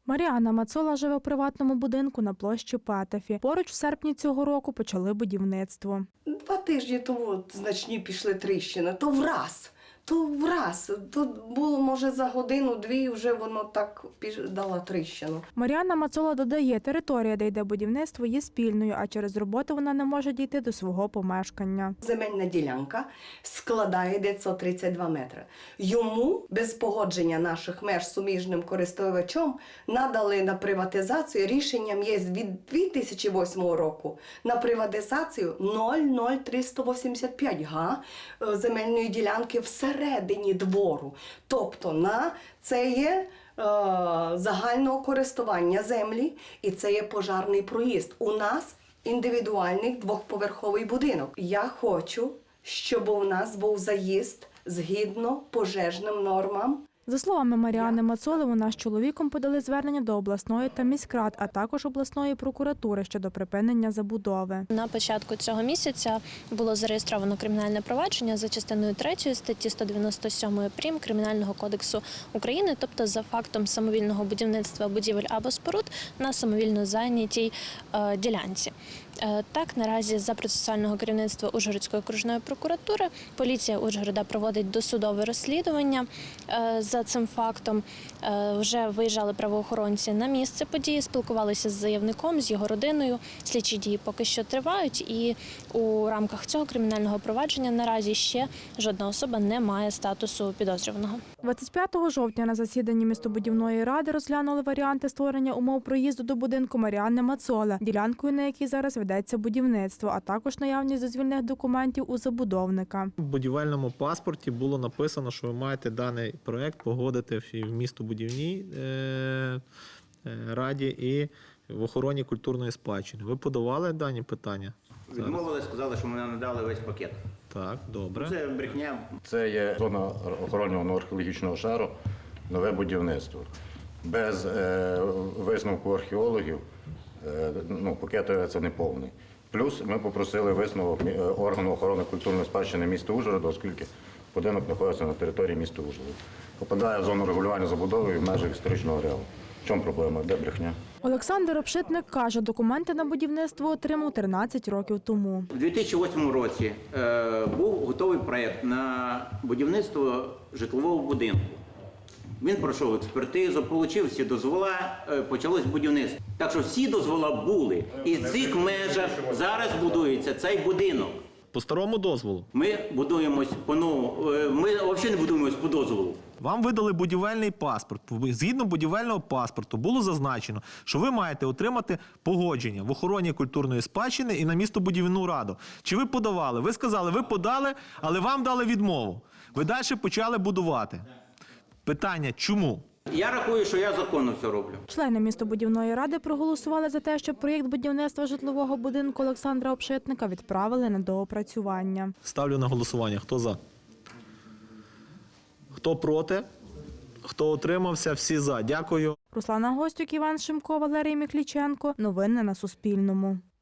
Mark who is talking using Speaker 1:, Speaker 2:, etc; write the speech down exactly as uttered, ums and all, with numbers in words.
Speaker 1: Маріанна Мацола живе у приватному будинку на площі Петефі. Поруч в серпні цього року почали будівництво.
Speaker 2: Два тижні тому значні пішли тріщини, то враз, то враз. Тут було, може, за годину-дві вже воно так дало тріщину.
Speaker 1: Маріанна Мацола додає, територія, де йде будівництво, є спільною, а через роботу вона не може дійти до свого помешкання.
Speaker 2: Земельна ділянка складає дев'ятсот тридцять два метри. Йому, без погодження наших меж суміжним користувачом, надали на приватизацію, рішенням є від дві тисячі восьмого року, на приватизацію нуль цілих нуль триста вісімдесят п'ять га земельної ділянки всередині двору. Тобто на це є е, загального користування землі і це є пожарний проїзд. У нас індивідуальний двохповерховий будинок. Я хочу, щоб у нас був заїзд згідно пожежним нормам.
Speaker 1: За словами Маріанни Мацоли, вона з чоловіком подали звернення до обласної та міськрад, а також обласної прокуратури щодо припинення забудови.
Speaker 3: На початку цього місяця було зареєстровано кримінальне провадження за частиною третьої статті сто дев'яносто сім прим. Кримінального кодексу України, тобто за фактом самовільного будівництва будівель або споруд на самовільно зайнятій е, ділянці. Е, так, наразі за процесуального керівництва Ужгородської окружної прокуратури поліція Ужгорода проводить досудове розслідування е, за цим фактом. Е, вже виїжджали правоохоронці на місце події, спілкувалися з заявником, з його родиною. Слідчі дії поки що тривають і у рамках цього кримінального провадження наразі ще жодна особа не має статусу підозрюваного.
Speaker 1: двадцять п'ятого жовтня на засіданні містобудівної ради розглянули варіанти створення умов проїзду до будинку Маріанни Мацоли, ділянкою на якій зараз ведеться будівництво, а також наявність дозвільних документів у забудовника.
Speaker 4: В будівельному паспорті було написано, що ви маєте даний проект погодити в містобудівній раді і в охороні культурної спадщини. Ви подавали дані питання?
Speaker 5: Відмовили, сказали, що мене надали весь пакет.
Speaker 4: Так, добре.
Speaker 5: Це брехня.
Speaker 6: Це є зона охоронного археологічного шару, нове будівництво. Без е, висновку археологів е, ну, пакет це не повний. Плюс ми попросили висновок органу охорони культурної спадщини міста Ужгорода, оскільки будинок знаходиться на території міста Ужгорода. Попадає в зону регулювання забудови в межах історичного ареалу. В чому проблема? Де брехня?
Speaker 1: Олександр Обшитник каже, документи на будівництво отримав тринадцять років тому.
Speaker 5: У дві тисячі восьмому році е, був готовий проєкт на будівництво житлового будинку. Він пройшов експертизу, отримав всі дозвола, е, почалось будівництво. Так що всі дозвола були. І в цих межах зараз будується цей будинок.
Speaker 4: По старому дозволу?
Speaker 5: Ми будуємось по-новому, е, ми взагалі не будуємось по дозволу.
Speaker 4: Вам видали будівельний паспорт. Згідно будівельного паспорту було зазначено, що ви маєте отримати погодження в охороні культурної спадщини і на містобудівну раду. Чи ви подавали? Ви сказали, ви подали, але вам дали відмову. Ви далі почали будувати. Питання, чому?
Speaker 5: Я рахую, що я законно все роблю.
Speaker 1: Члени містобудівної ради проголосували за те, щоб проєкт будівництва житлового будинку Олександра Обшитника відправили на доопрацювання.
Speaker 4: Ставлю на голосування. Хто за? Хто проти? Хто утримався? Всі за. Дякую.
Speaker 1: Руслана Гостюк, Іван Шимко, Валерій Мікліченко. Новини на Суспільному.